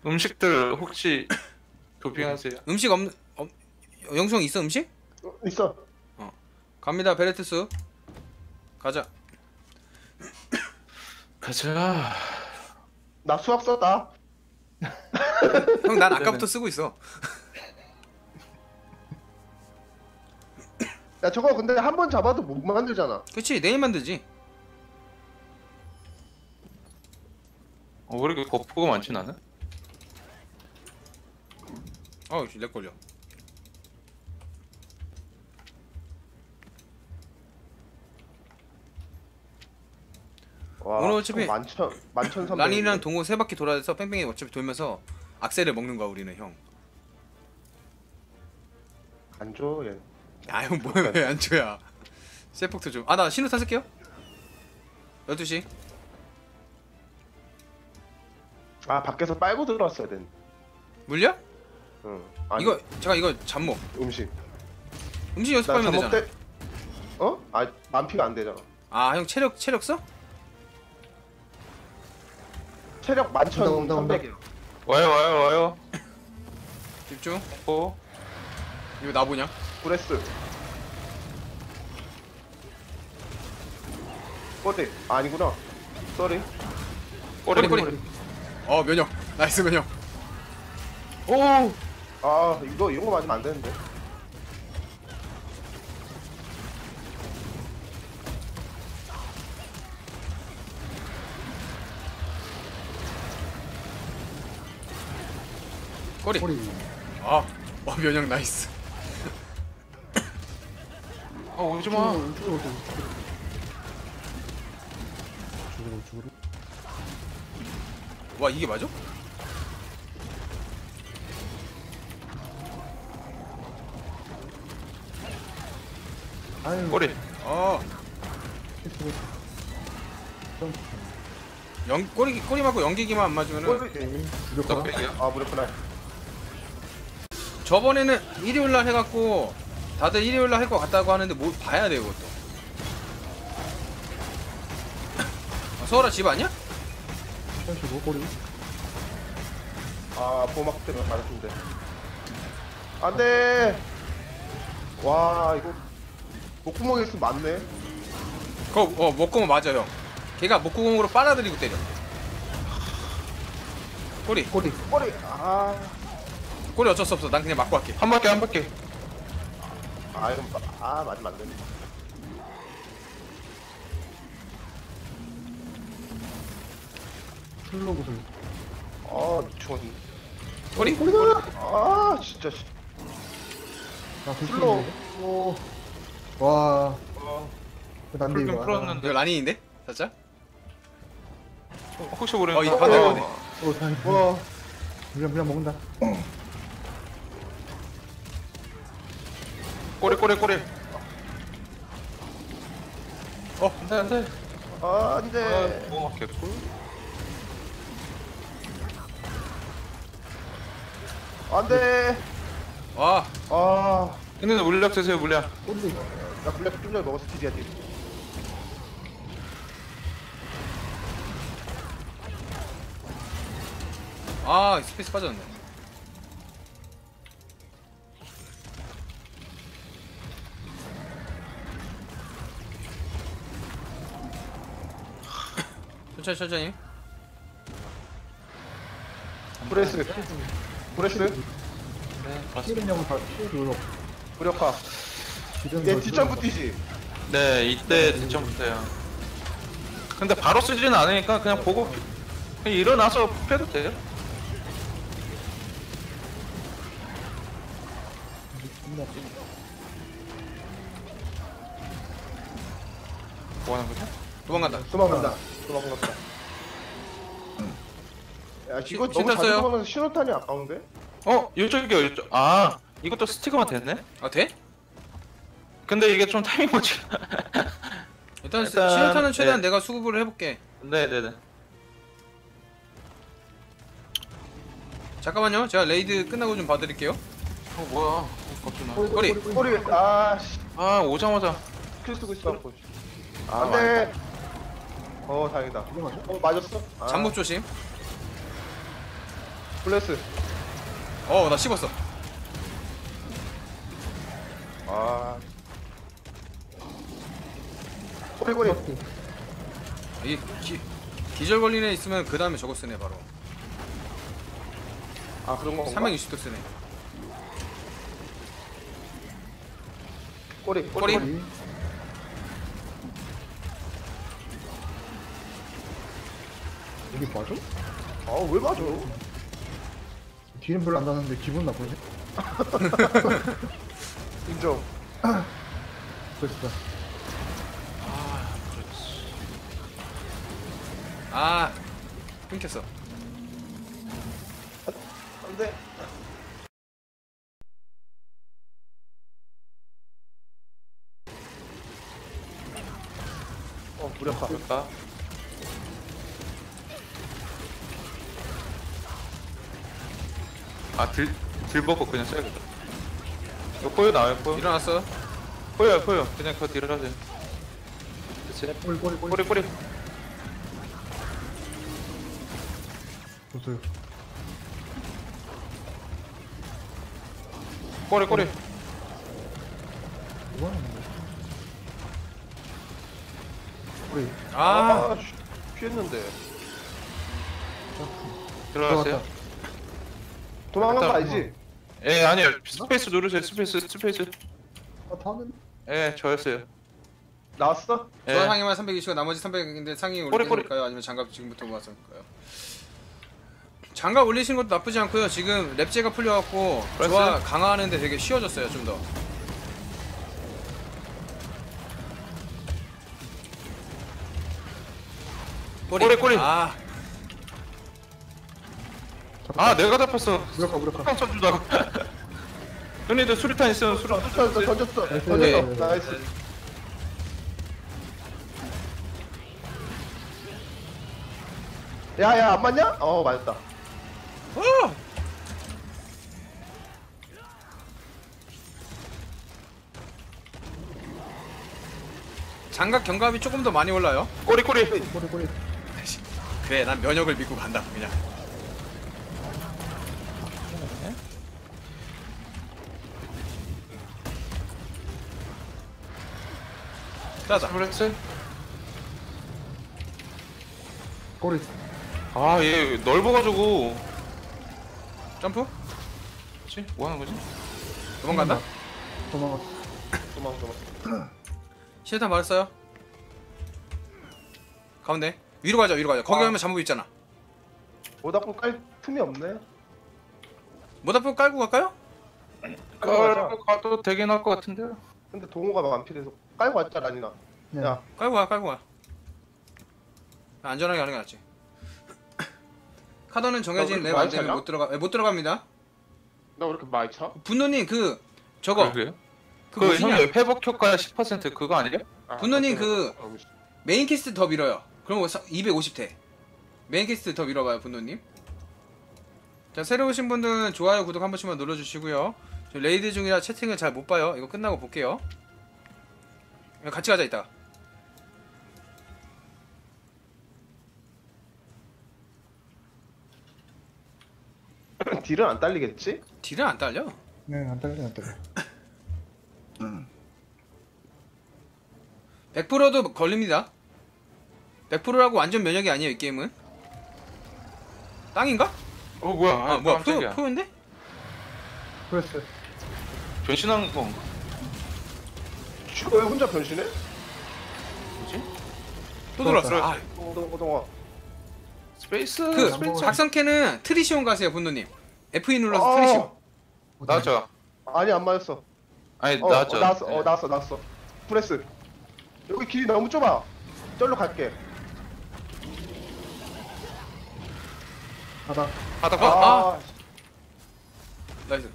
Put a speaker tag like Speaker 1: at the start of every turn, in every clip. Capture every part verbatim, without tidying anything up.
Speaker 1: 음식들 혹시 도핑하세요?
Speaker 2: 음식 없는 없 영수형 있어 음식?
Speaker 3: 어, 있어.
Speaker 2: 어 갑니다. 베레트스 가자.
Speaker 1: 가자.
Speaker 3: 나 수학 썼다.
Speaker 2: 형 난 아까부터 쓰고 있어.
Speaker 3: 야 저거 근데 한 번 잡아도 못 만들잖아.
Speaker 2: 그치 내일 만들지.
Speaker 1: 어, 왜 이렇게 거푸가 많지 나는?
Speaker 2: 어우 렉 걸려.
Speaker 3: 와,
Speaker 2: 오늘 어차피
Speaker 3: 만천 만천 삼백.
Speaker 2: 란이랑 동호 세 바퀴 돌아서 뺑뺑이 어차피 돌면서 악셀을 먹는 거야 우리는 형.
Speaker 3: 안 줘, 얘.
Speaker 2: 아유 뭐야 왜 안 줘야. 세폭도 좀. 아 나 신호탄 쓸게요. 열두 시.
Speaker 3: 아 밖에서 빨고 들어왔어야 된.
Speaker 2: 물려?
Speaker 3: 응. 아니,
Speaker 2: 이거 제가 이거 잠목.
Speaker 3: 음식.
Speaker 2: 음식
Speaker 3: 나
Speaker 2: 연습하면
Speaker 3: 잠복
Speaker 2: 되잖아.
Speaker 3: 때. 어? 아 만피가 안 되잖아.
Speaker 2: 아 형 체력 체력 써?
Speaker 3: 체력 만천 삼백이야.
Speaker 1: 와요 와요 와요.
Speaker 2: 집중.
Speaker 1: 어?
Speaker 2: 이거 나 보냐?
Speaker 3: 브레스. 꼬리. 아, 아니구나. 쏘리.
Speaker 2: 꼬리 꼬리. 어 면역. 나이스 면역.
Speaker 1: 오!
Speaker 3: 아 이거 이런 거 맞으면 안 되는데.
Speaker 2: 꼬리. 아, 와 면역 나이스.
Speaker 1: 아 오지마.
Speaker 2: 와 이게 맞아?
Speaker 1: 꼬리.
Speaker 2: 어. 연 꼬리 꼬리 맞고 연기기만 안 맞으면은
Speaker 3: 꼬리.
Speaker 1: 넉백이야?
Speaker 3: 아 무렵구나.
Speaker 2: 저번에는 일요일 날 해갖고 다들 일요일 날 할 것 같다고 하는데 뭐 봐야 돼 이것도. 아, 서울아 집 아니야?
Speaker 3: 아 보막 때문에 맞았는데. 안돼. 와 이거 목구멍에 있으면 맞네.
Speaker 2: 그거 어 목구멍 맞아 형. 걔가 목구멍으로 빨아들이고 때려. 꼬리
Speaker 3: 꼬리. 꼬리. 아.
Speaker 2: 꼬리 어쩔 수 없어. 난 그냥 맞고 할게.
Speaker 1: 한 바퀴 한 바퀴.
Speaker 3: 아 이건 마- 아 맞으면 안 되네.
Speaker 4: 슬로그를
Speaker 3: 아 미쳤네.
Speaker 2: 꼬리.
Speaker 3: 꼬리가. 아 진짜. 씨.
Speaker 4: 아
Speaker 3: 슬로우.
Speaker 4: 오. 와
Speaker 3: 어.
Speaker 4: 난데
Speaker 1: 풀좀
Speaker 4: 이거
Speaker 1: 풀었는데.
Speaker 2: 이거 라닌인데? 살짝?
Speaker 1: 어, 혹시 모르니까.
Speaker 2: 어, 이 반대,
Speaker 1: 어,
Speaker 2: 반대.
Speaker 4: 오 다행이다
Speaker 3: 와.
Speaker 4: 물량 물량 먹는다
Speaker 1: 꼬리 꼬리 꼬리.
Speaker 2: 어
Speaker 1: 안돼 안돼.
Speaker 3: 아 안돼.
Speaker 1: 뭐 개꿀.
Speaker 3: 안돼.
Speaker 2: 와.
Speaker 3: 아.
Speaker 1: 근데 물약 드세요 물약.
Speaker 4: 꼬리
Speaker 3: 나 블랙 좀 전에 먹었어 티디아디.
Speaker 2: 아 스페이스 빠졌네. 천천히 천천히.
Speaker 3: 브레스. 브레스.
Speaker 1: 네 맞습니다.
Speaker 4: 피해량은 다 피해 눌러
Speaker 3: 무력화. 얘 뒷장부 뛰지.
Speaker 1: 네 이때 대청부터요. 근데 바로 쓰지는 않으니까 그냥 보고 그냥 일어나서 패도 돼요. 뭐 하는 거죠?
Speaker 2: 도망간다.
Speaker 3: 도망간다. 도망간다. 야 이거 너무
Speaker 2: 신탄
Speaker 3: 자주
Speaker 2: 써요?
Speaker 3: 도망가서 신호탄이 아까운데?
Speaker 1: 어 이쪽이요 이쪽. 아 이것도 스티커만 됐네.
Speaker 2: 아 돼?
Speaker 1: 근데 이게 좀 타이밍 못지.
Speaker 2: 일단,
Speaker 1: 일단,
Speaker 2: 신호탄은 최대한
Speaker 1: 네.
Speaker 2: 내가 수급을 해볼게.
Speaker 1: 네네네.
Speaker 2: 잠깐만요. 제가 레이드 끝나고 좀 봐드릴게요.
Speaker 1: 어 뭐야? 갑자기 나.
Speaker 2: 꼬리.
Speaker 3: 꼬리. 아씨.
Speaker 1: 아 오자마자.
Speaker 3: 킬 쓰고 있어. 아, 안돼. 어 다행이다. 어 맞았어? 아.
Speaker 2: 잠복 조심.
Speaker 3: 플래스.
Speaker 2: 어 나 씹었어.
Speaker 3: 아. 꼬리 꼬리.
Speaker 2: 이 기, 기절 걸린 애 있으면 그 다음에 저거 쓰네 바로.
Speaker 3: 아 그런 거.
Speaker 2: 삼백육십 도 쓰네.
Speaker 3: 꼬리
Speaker 2: 꼬리.
Speaker 3: 꼬리.
Speaker 4: 여기 봐줘?
Speaker 3: 아왜 맞아?
Speaker 4: 뒤는 별로 안 나는데 기분 나쁘네.
Speaker 3: 인정.
Speaker 4: 그랬어.
Speaker 2: 아 끊겼어.
Speaker 3: 안돼. 어 무력화.
Speaker 1: 그럴까? 아딜 딜 먹고 그냥 써야겠다. 이거 꼬여 나와요 꼬여.
Speaker 2: 일어났어.
Speaker 1: 꼬여요 꼬여. 그냥 그거 딜을 하세요. 그치?
Speaker 4: 꼬리 꼬리 꼬리.
Speaker 1: 꼬리 꼬리.
Speaker 4: 보세요.
Speaker 1: 꼬리 꼬리.
Speaker 4: 이거 하는 거. 꼬리.
Speaker 2: 아
Speaker 3: 아 씨, 피했는데.
Speaker 1: 들어갔어요?
Speaker 4: 들어갔다.
Speaker 3: 도망간 거
Speaker 1: 일단
Speaker 3: 알지?
Speaker 1: 예 아니요 스페이스 누르세요 스페이스 스페이스.
Speaker 4: 아 타는.
Speaker 1: 예 저였어요.
Speaker 3: 나왔어?
Speaker 1: 예.
Speaker 2: 저 상위만 삼백이십고 나머지 삼백인데 상위
Speaker 1: 꼬리, 꼬리.
Speaker 2: 올릴까요? 아니면 장갑 지금부터 모았을까요? 장갑 올리시는 것도 나쁘지 않고요. 지금 랩제가 풀려갖고
Speaker 1: 그랬어요?
Speaker 2: 조화 강화하는데 되게 쉬워졌어요. 좀 더.
Speaker 1: 꼬리, 꼬리.
Speaker 2: 아
Speaker 1: 아 내가 잡혔어.
Speaker 4: 무력화 무력화.
Speaker 1: 한 써주다가. 형님들 수류탄 있으면 수류탄
Speaker 3: 던졌어 던졌어
Speaker 4: 나이스.
Speaker 3: 던졌어.
Speaker 4: 네.
Speaker 3: 나이스. 야야 안 맞냐? 어 맞았다.
Speaker 2: 어! 장갑 경갑이 조금 더 많이 올라요.
Speaker 1: 꼬리 꼬리.
Speaker 4: 꼬리 꼬리.
Speaker 2: 그래 난 면역을 믿고 간다 그냥. 자자
Speaker 1: 브렉스.
Speaker 4: 꼬리.
Speaker 1: 아얘 넓어가지고.
Speaker 2: 점프
Speaker 1: 그치? 뭐 하는 거지?
Speaker 2: 도망간다.
Speaker 4: 도망갔어.
Speaker 3: 도망 도망.
Speaker 2: 실탄 맞았어요. 가운데 위로 가자 위로 가자. 거기
Speaker 3: 아.
Speaker 2: 가면 잠복 있잖아.
Speaker 3: 모닥불 깔 틈이 없네.
Speaker 2: 모닥불 깔고 갈까요?
Speaker 3: 깔고 가자.
Speaker 1: 깔고 가도 되긴 할 것 같은데요.
Speaker 3: 근데 동호가 안 필요해서 깔고 왔자 라니나.
Speaker 4: 네.
Speaker 3: 야
Speaker 2: 깔고 가 깔고 가. 안전하게 하는 게 낫지. 카더는 정해진
Speaker 3: 너
Speaker 2: 랩
Speaker 3: 많이
Speaker 2: 안 되면
Speaker 3: 차냐?
Speaker 2: 못 들어가. 예, 못 들어갑니다.
Speaker 3: 나 왜 이렇게 많이 차?
Speaker 2: 분노님 그 저거
Speaker 1: 그래요?
Speaker 2: 그
Speaker 1: 그
Speaker 2: 뭐지냐?
Speaker 1: 형님 회복 효과 십 퍼센트 그거 아니에요?
Speaker 2: 분노님 그 메인 캐스트 더 밀어요. 그럼 이백오십 대. 메인 캐스트 더 밀어봐요 분노님. 자 새로 오신 분들은 좋아요 구독 한 번씩만 눌러주시고요. 저 레이드 중이라 채팅을 잘 못 봐요. 이거 끝나고 볼게요. 같이 가자 이따.
Speaker 3: 딜은 안 딸리겠지?
Speaker 2: 딜은 안 딸려.
Speaker 4: 네, 안 딸려 안 딸려.
Speaker 2: 백 퍼센트도 걸립니다. 백 퍼센트라고 완전 면역이 아니에요 이 게임은. 땅인가?
Speaker 1: 어 뭐야?
Speaker 2: 아,
Speaker 1: 아,
Speaker 2: 뭐야 표,
Speaker 1: 깜짝이야.
Speaker 2: 표인데?
Speaker 4: 그랬어.
Speaker 1: 변신한 거
Speaker 3: 슈가 왜 혼자 변신해?
Speaker 1: 뭐지?
Speaker 2: 또 들어왔어.
Speaker 1: 들어왔어.
Speaker 2: 아,
Speaker 3: 동동 동아.
Speaker 1: 스페이스.
Speaker 2: 그
Speaker 1: 스페이스.
Speaker 2: 작성캐는 트리시온 가세요 분노님. 에프이 눌러서
Speaker 3: 어.
Speaker 2: 트리시온.
Speaker 1: 나왔죠.
Speaker 3: 아니 안 맞았어.
Speaker 1: 아니
Speaker 3: 어,
Speaker 1: 나왔죠.
Speaker 3: 어 나왔어.
Speaker 1: 네.
Speaker 3: 어 나왔어 나왔어. 프레스. 여기 길이 너무 좁아. 절로 갈게.
Speaker 4: 하다.
Speaker 1: 바닥.
Speaker 2: 어?
Speaker 1: 아,
Speaker 2: 아. 나이스.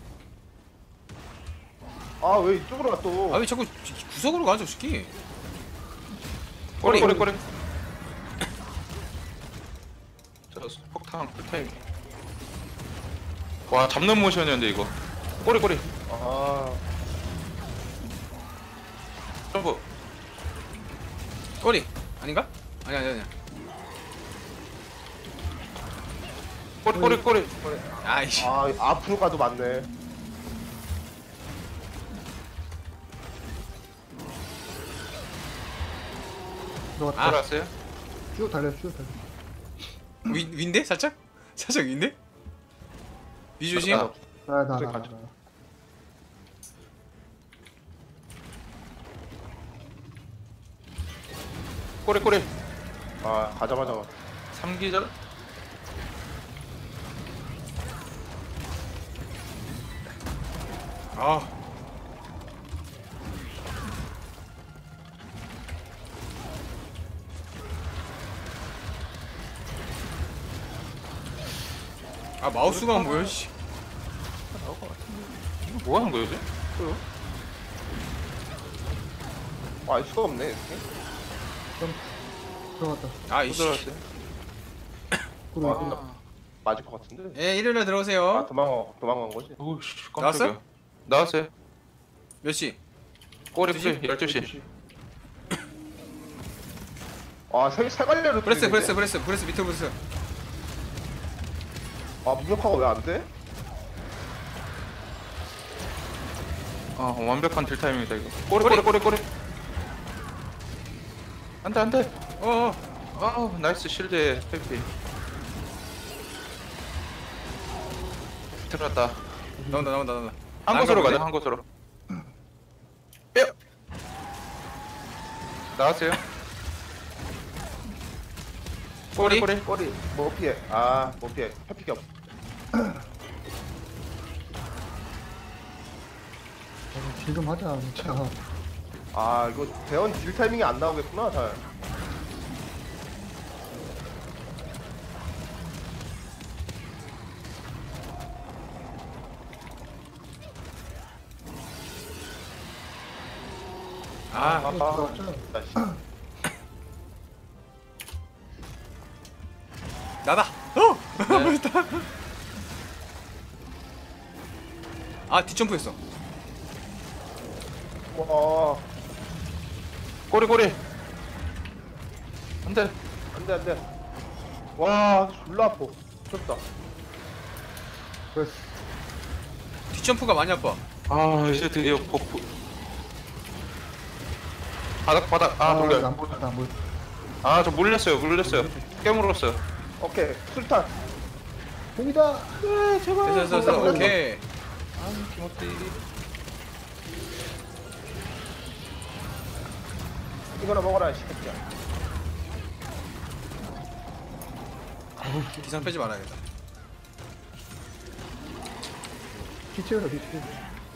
Speaker 3: 아 왜 이쪽으로 가 또?
Speaker 2: 아 왜 자꾸 구석으로 가죠 새끼.
Speaker 1: 꼬리 꼬리 꼬리. 저 폭탄 풀타임. 와 잡는 모션이었는데 이거. 꼬리 꼬리.
Speaker 3: 아
Speaker 1: 점프.
Speaker 2: 꼬리 아닌가? 아니 아니 아니.
Speaker 1: 꼬리 꼬리 꼬리.
Speaker 2: 아이씨.
Speaker 3: 아 앞으로 가도 맞네.
Speaker 4: 들어갔다.
Speaker 2: 아.
Speaker 1: 들어왔어요?
Speaker 4: 쭉 달려, 쭉 달려.
Speaker 2: 위 위인데 살짝? 살짝 위인데? 위 조심.
Speaker 1: 아,
Speaker 4: 나, 나, 나,
Speaker 3: 저기
Speaker 4: 나.
Speaker 3: 가자.
Speaker 4: 나.
Speaker 1: 꼬리 꼬리.
Speaker 3: 아 가자마자
Speaker 1: 삼기절.
Speaker 2: 아. 아 마우스가 뭐야 씨.
Speaker 1: 이거 뭐 하는 거야, 요새?
Speaker 3: 아, 알 수가 없네 이렇게.
Speaker 4: 들어갔다.
Speaker 2: 아
Speaker 1: 또
Speaker 2: 이씨.
Speaker 1: 들어왔어요?
Speaker 4: 구르,
Speaker 3: 아,
Speaker 4: 구르.
Speaker 3: 나 맞을 것 같은데.
Speaker 2: 예 일요일에
Speaker 3: 아
Speaker 2: 들어오세요.
Speaker 3: 도망가 도망간 거지.
Speaker 1: 오우씨,
Speaker 2: 나왔어?
Speaker 1: 깜짝이야. 나왔어요.
Speaker 2: 몇 시?
Speaker 1: 꼬리
Speaker 2: 두 시?
Speaker 1: 꼬리 열두 시.
Speaker 3: 아세 세갈래로.
Speaker 2: 브레스 브레스 브레스 브레스 밑에 브레스.
Speaker 3: 아 무력화가 왜 안 돼?
Speaker 1: 아, 완벽한 딜 타임이다 이거. 꼬리 꼬리 꼬리 꼬리. 안돼 안돼.
Speaker 2: 어어.
Speaker 1: 아, 나이스 실드 회피. 들어갔다.
Speaker 2: 나온다 나온다 나온다.
Speaker 1: 한
Speaker 2: 안
Speaker 1: 곳으로
Speaker 2: 가보네?
Speaker 1: 가자, 한 곳으로. 뼈. 나왔어요?
Speaker 2: 꼬리?
Speaker 1: 꼬리.
Speaker 3: 꼬리 뭐 피해. 아뭐 피해. 회피기 없.
Speaker 4: 지금 하자, 진짜.
Speaker 3: 아 이거 대원 딜 타이밍이 안 나오겠구나 잘.
Speaker 2: 아
Speaker 3: 아,
Speaker 4: 들어갔죠?
Speaker 3: 나 씨.
Speaker 2: 나다. 어. 뭐였다. 아 뒷점프했어.
Speaker 3: 와
Speaker 1: 꼬리 꼬리. 안돼.
Speaker 3: 안돼 안돼. 와 졸라 아파. 쳤다.
Speaker 4: 그래서
Speaker 2: 뒷점프가 많이 아파.
Speaker 1: 아, 이제 드디어 버프. 바닥 바닥. 아,
Speaker 4: 아,
Speaker 1: 돌려.
Speaker 4: 안 보였다, 안 보였다.
Speaker 1: 아, 저 물렸어요, 물렸어요. 깨물었어요.
Speaker 3: 오케이 술탄.
Speaker 4: 공이다!
Speaker 1: 네, 제발.
Speaker 2: 됐어 됐어 됐어. 오케이.
Speaker 1: 아, 김어띠.
Speaker 3: 이거나 먹어라 이 새끼야.
Speaker 2: 기상 빼지 말아야겠다.
Speaker 4: 기체에서 기체.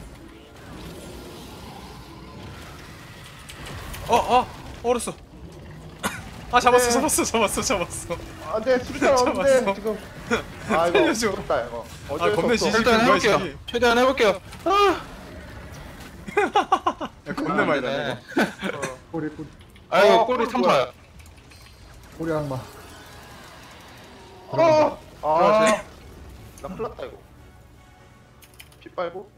Speaker 2: 어 어. 얼었어. 아 잡았어
Speaker 3: 네.
Speaker 2: 잡았어 잡았어 잡았어.
Speaker 3: 안돼 술탄
Speaker 2: 잡았어.
Speaker 3: 없는데 지금. 아 이거
Speaker 2: 살려줘.
Speaker 3: 무섭다 이거.
Speaker 2: 아,
Speaker 3: 어쩔 수
Speaker 2: 겁내
Speaker 3: 없어.
Speaker 2: 지지.
Speaker 1: 최대한
Speaker 2: 뭐야,
Speaker 1: 해볼게요.
Speaker 2: 씨.
Speaker 1: 최대한 해볼게요. 아,
Speaker 2: 야, 겁내 많이
Speaker 1: 네.
Speaker 2: 나네.
Speaker 4: 꼬리, 꼬리.
Speaker 1: 아이고,
Speaker 3: 어,
Speaker 1: 꼬리
Speaker 3: 꼬리
Speaker 1: 삼사야.
Speaker 4: 꼬리 악마.
Speaker 3: 어. 아.
Speaker 1: 들어가세요.
Speaker 3: 나 큰일났다 이거. 피 빨고.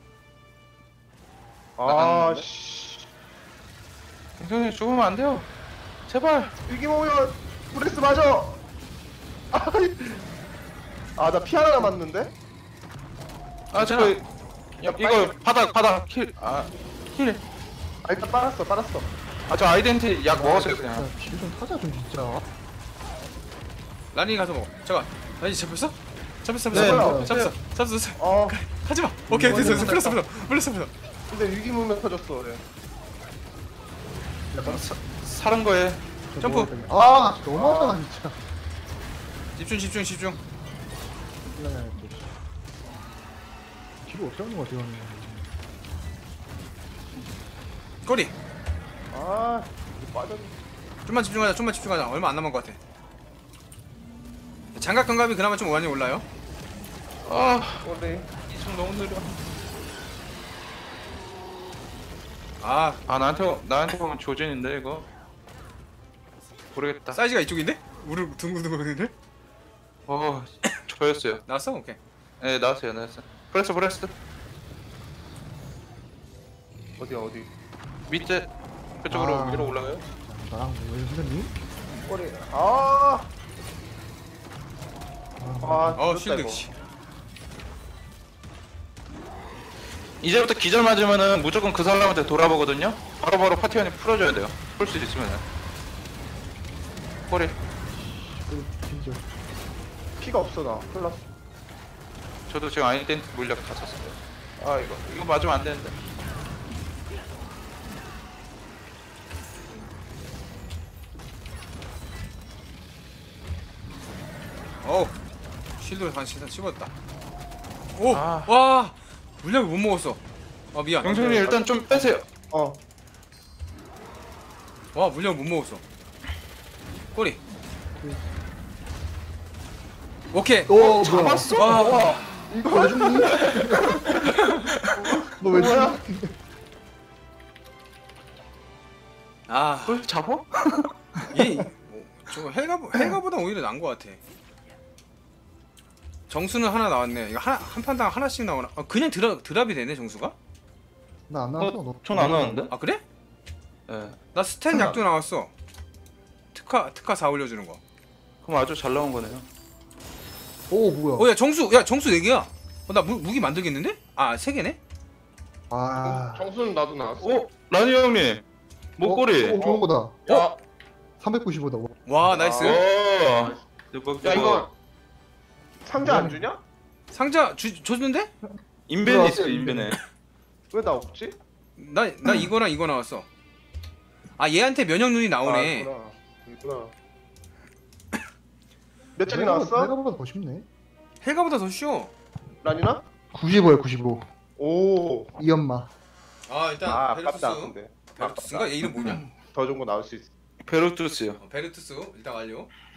Speaker 3: 아
Speaker 1: 나갔는데?
Speaker 3: 씨.
Speaker 1: 형님 죽으면 안 돼요. 제발.
Speaker 3: 위기 모면 브레스 맞아. 아나 피 하나 남았는데.
Speaker 1: 아, 저거 이거 바닥 바닥 킬. 아, 킬.
Speaker 3: 아 일단 빨았어 빨았어.
Speaker 1: 아, 저 아이덴티 약 먹었어요 그냥.
Speaker 4: 진짜 길좀 타자, 좀 진짜.
Speaker 2: 라니 가서 먹어. 잠깐. 라니 잡혔어? 잡혔어
Speaker 1: 네,
Speaker 2: 잡혔어.
Speaker 3: 네.
Speaker 2: 잡혔어. 잡혔어. 잡혔어.
Speaker 3: 어
Speaker 2: 하지 마. 오케이 됐어 됐어. 풀렸어 풀렸어. 풀렸어 풀렸어.
Speaker 3: 근데 위기 모면 터졌어. 네.
Speaker 1: 사, 사는 거에.
Speaker 2: 점프.
Speaker 4: 아, 너무하다, 진짜.
Speaker 2: 집중 집중 집중.
Speaker 4: 신나게 뒤로 어떻게 하는 거야, 이거는.
Speaker 2: 꼬리.
Speaker 3: 아 이거 빠졌네.
Speaker 2: 좀만 집중하자. 좀만 집중하자. 얼마 안 남은 것 같아. 장갑 견갑이 그나마 좀 많이 올라요.
Speaker 1: 아,
Speaker 3: 꼬리.
Speaker 1: 이승 너무 느려.
Speaker 2: 아
Speaker 1: 아, 나한테 나한테 보면 조진인데 이거. 모르겠다.
Speaker 2: 사이즈가 이쪽인데? 우르 둥글둥글인데?
Speaker 1: 어, 저였어요.
Speaker 2: 나왔어? 오케이.
Speaker 1: 네, 나왔어요, 나왔어요. 프레스 프레스.
Speaker 3: 어디야 어디.
Speaker 1: 밑에 그쪽으로
Speaker 4: 아.
Speaker 1: 위로 올라가요?
Speaker 4: 나랑 왜 선생님?
Speaker 3: 꼬리. 아 아,
Speaker 2: 어
Speaker 3: 늦었다,
Speaker 2: 실드
Speaker 3: 이거.
Speaker 2: 씨.
Speaker 1: 이제부터 기절 맞으면은 무조건 그 사람한테 돌아보거든요. 바로바로 파티원이 풀어줘야 돼요. 풀 수 있으면은. 꼬리.
Speaker 4: 진짜.
Speaker 3: 피가 없어 나. 큰일 났어.
Speaker 1: 저도 지금 아이덴티 물약 다 썼어요. 아 이거 이거 맞으면 안 되는데.
Speaker 2: 어우 실드 한 시선 씹었다. 오!
Speaker 1: 아.
Speaker 2: 와! 물약을 못 먹었어. 아 미안.
Speaker 1: 영생님 일단 좀 빼세요.
Speaker 3: 어.
Speaker 2: 와 물약을 못 먹었어. 꼬리. 오케이.
Speaker 4: 어, 뭐야?
Speaker 1: 잡았어?
Speaker 2: 와, 와.
Speaker 3: 이거
Speaker 4: 왜 죽니? 너왜
Speaker 3: 뭐야?
Speaker 4: 죽니?
Speaker 2: 아,
Speaker 1: 그걸 잡어?
Speaker 2: 얘, 어, 저 헬가 헬가보다 오히려 나은 것 같아. 정수는 하나 나왔네. 이거 하나 한 판당 하나씩 나오나? 아, 그냥 드랍 드랍이 되네 정수가?
Speaker 4: 나안 나왔어.
Speaker 1: 어?
Speaker 4: 너.
Speaker 1: 전 안 하는데?
Speaker 2: 아 그래?
Speaker 1: 예.
Speaker 2: 나 스탠 약도 나왔어. 특화 특화 사 올려주는 거.
Speaker 1: 그럼 아주 잘 나온 거네요.
Speaker 4: 오 뭐야?
Speaker 2: 어 야 정수 야 정수 네 개야. 어, 나 무, 무기 만들겠는데? 아 세 개네?
Speaker 4: 아.
Speaker 3: 정수는 나도 나왔어.
Speaker 1: 오 라니 형님 목걸이.
Speaker 4: 어, 좋은 거다.
Speaker 3: 야,
Speaker 4: 삼백구십오다.
Speaker 2: 와 나이스.
Speaker 1: 오. 이거
Speaker 3: 야 이거 상자 안 주냐?
Speaker 2: 상자 주, 줬는데?
Speaker 1: 인벤이 있어요 인벤에.
Speaker 3: 왜 나 없지?
Speaker 2: 나 나 이거랑 이거 나왔어. 아 얘한테 면역 눈이 나오네.
Speaker 3: 아, 있구나. 있구나. 몇 장이 나왔어?
Speaker 4: 내가보다 더 쉽네.
Speaker 2: 헬가보다 더 쉬워.
Speaker 3: 라니나?
Speaker 4: 구십오야 구십오.
Speaker 3: 오.
Speaker 4: 이 엄마.
Speaker 2: 아 일단
Speaker 3: 아, 아깝다. 근데.
Speaker 2: 베르투스인가? 얘 이름 뭐냐?
Speaker 3: 더 좋은 거 나올 수 있어.
Speaker 1: 베르투스요.
Speaker 2: 어, 베르투스 일단 완료.